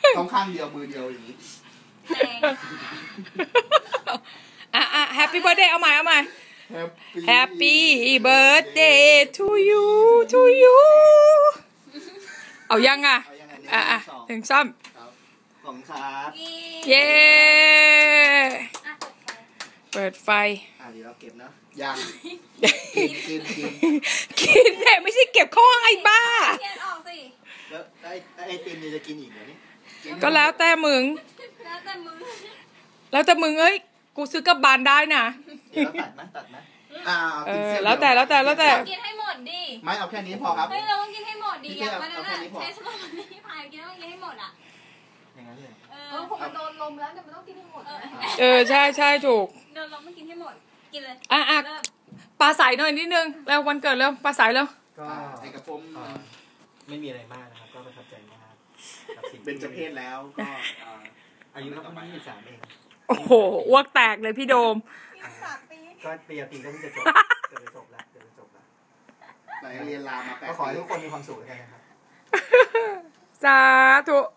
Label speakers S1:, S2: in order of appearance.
S1: ต้องข้างเดียวมือเดียวอย่างนี้
S2: Happy birthday เอาใหม่Happy birthday to youเอายังถึงซ้
S1: ำของครับ
S2: เย้เปิดไฟ
S1: เดี๋ยวเราเก็บนะยัง
S2: กินแต่ไม่ใช่เก็บข้องไอ้บ้า
S1: แล้วไอติมจะกินอีกเหรอนี่
S2: ก็แล้วแต่มึงเอ้ยกูซื้อกับบานได้นะ
S1: ตัดไหม
S2: แล้วแต่
S3: กินให้หมดดิ
S1: ไม่เอาแค่นี้พอครับ
S3: เฮ้ยเราต้องกินให้หมดดิอย่างวันนั้นใช้สมองนี่พายกินต้องกินให้หมด
S1: อย่างนั้นเลย
S3: พอมันโดนลมแล้วเนี่ยมันต้องกินให้หมด
S2: ใช่ถูก
S3: โดนลมไม่กินให้หมดกินเลย
S2: ปลาใสหน่อยนิดนึงแล้ววันเกิดแล้วปลาใสแล้ว
S1: ก็ไอ้กระผมไม่มีอะไรมากนะครับก็ประทับใจมากกับสิ่งเป็นเจ้าเพศแล้วก็อายุประมาณ23เอง
S2: โอ้โหอ้วกแตกเลยพี่โดม
S1: ก็ปีก็เพิ่งจะจบแล้วไหนเรียนลามา8 ปีก็ขอให้ทุกคนมีความสุขกันนะครับ
S2: สาธุ